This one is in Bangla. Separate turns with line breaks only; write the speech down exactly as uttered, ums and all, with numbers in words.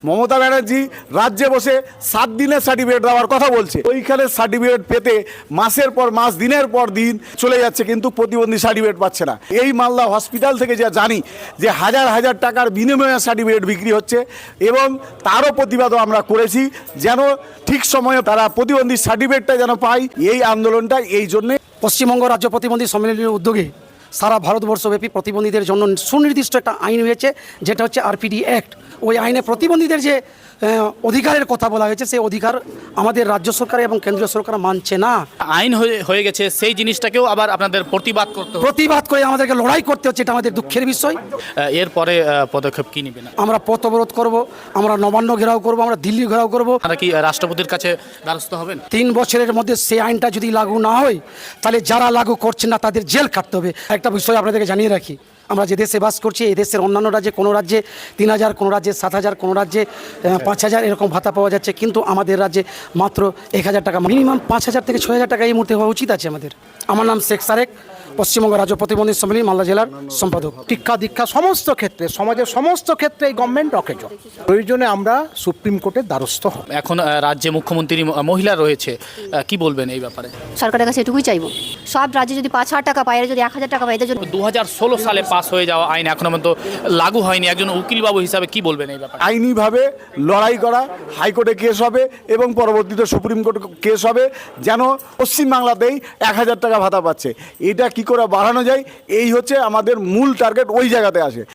মমতা ব্যানার্জি রাজ্যে বসে সাত দিনের সার্টিফিকেট দেওয়ার কথা বলছে। ওইখানে সার্টিফিকেট পেতে মাসের পর মাস দিনের পর দিন চলে যাচ্ছে, কিন্তু প্রতিবন্ধী সার্টিফিকেট পাচ্ছে না। এই মালদা হসপিটাল থেকে যা জানি যে হাজার হাজার টাকার বিনিময়ে সার্টিফিকেট বিক্রি হচ্ছে, এবং তারও প্রতিবাদও আমরা করেছি যেন ঠিক সময়ে তারা প্রতিবন্ধী সার্টিফিকেটটা যেন পায়। এই আন্দোলনটা এই জন্যে
পশ্চিমবঙ্গ রাজ্য প্রতিবন্ধী সম্মেলনের উদ্যোগে সারা ভারতবর্ষব্যাপী প্রতিবন্ধীদের জন্য সুনির্দিষ্ট একটা আইন হয়েছে, যেটা হচ্ছে আরপিডি অ্যাক্ট। ওই আইনে প্রতিবন্ধীদের যে অধিকারের কথা বলা হয়েছে, সেই অধিকার আমাদের রাজ্য সরকার এবং কেন্দ্রীয় সরকার মানছে না।
আইন হয়ে হয়ে গেছে, সেই জিনিসটাকেও আবার আপনাদের প্রতিবাদ করতে হবে।
প্রতিবাদ করে আমাদেরকে লড়াই করতে হচ্ছে, এটা আমাদের দুঃখের বিষয়।
এরপরে পদক্ষেপ কি নেবেন?
আমরা পথ অবরোধ করব, আমরা নবান্ন ঘেরাও করব, আমরা দিল্লি ঘেরাও করব।
আপনারা কি রাষ্ট্রপতির কাছে দ্বারস্থ হবেন?
তিন বছরের মধ্যে সেই আইনটা যদি লাগু না হয়, তাহলে যারা লাগু করছেন না তাদের জেল কাটতে হবে। একটা বিষয় আপনাদেরকে জানিয়ে রাখি, আমরা যে দেশে বাস করছি, এই দেশের অন্যান্য রাজ্যে কোনো রাজ্যে তিন হাজার, কোনো রাজ্যে সাত হাজার, কোনো রাজ্যে পাঁচ হাজার এরকম ভাতা পাওয়া যাচ্ছে, কিন্তু আমাদের রাজ্যে মাত্র এক হাজার টাকা, মিনিমাম পাঁচ হাজার থেকে ছয় হাজার টাকা এই মুহূর্তে হওয়া উচিত আছে আমাদের। আমার নাম শেখ সারেক, পশ্চিমবঙ্গ রাজ্য প্রতিবন্ধী সম্মেলন মালদা জেলার সম্পাদক।
শিক্ষা দীক্ষা সমস্ত ক্ষেত্রে, সমাজের সমস্ত ক্ষেত্রে এই গভর্নমেন্ট অকেজ। প্রয়োজনে আমরা সুপ্রিম কোর্টের দ্বারস্থ হব।
এখন আহ, রাজ্যে মুখ্যমন্ত্রী ম- মহিলা রয়েছে, আহ, কি বলবেন এই ব্যাপারে?
সরকারের কাছে এটুকুই চাইবো, সব রাজ্যে যদি পাঁচ হাজার টাকা পায়, এরা যদি এক হাজার টাকা পায়, এদের জন্য
দু হাজার ষোলো সালে পাস হয়ে যাওয়া আইন এখনো পর্যন্ত লাগু হয়নি। একজন উকিলবাবু হিসাবে কি বলবেন এই ব্যাপারে?
আইনিভাবে লড়াই করা, হাইকোর্টে কেস হবে এবং পরবর্তীতে সুপ্রিম কোর্টে কেস হবে, যেন পশ্চিমবাংলাতেই এক হাজার টাকা ভাতা পাচ্ছে। এটা কি করে বাড়ানো যায়, এই হচ্ছে আমাদের মূল টার্গেট, ওই জায়গাতে আসে।